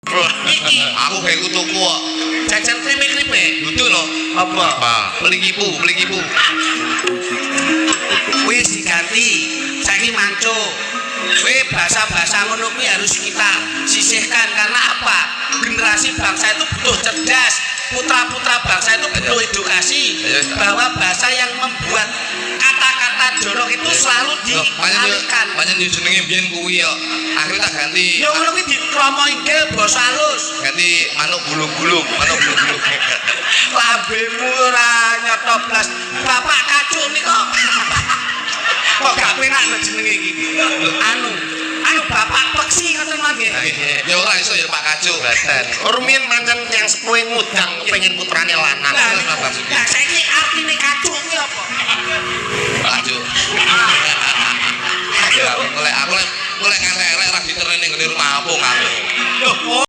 Aku kayak kutuku kok. Jajan kripik-kripik. Dudu lho. Apa? Beli kipu. Wis diganti. Saiki manco. Bahasa-bahasa ngono kuwi harus kita sisihkan karena apa? Generasi bangsa itu butuh cerdas. Putra-putra bangsa itu butuh edukasi bahwa bahasa yang membuat kata-kata jorok itu selalu dialihkan. Panjen jenenge biyen kuwi yo. Akhirnya tak ganti. Ya ngono kuwi dikromoinke basa halus. Ganti manuk gulung-gulung. Lambemu ora nyotoblas. Bapak kacuk nika. Kok gak penak jenenge iki. Anu bapak peksi ngoten mangke. Ya ora iso ya Pak Kacuk. Rumiyin pancen yang sepuhe ngudang kepengin putrane lanang. Lah saiki artine kacuk kuwi apa? Pak Kacuk. Ya, aku lek ngelek-elek ra diterene ngene rumah apung aku.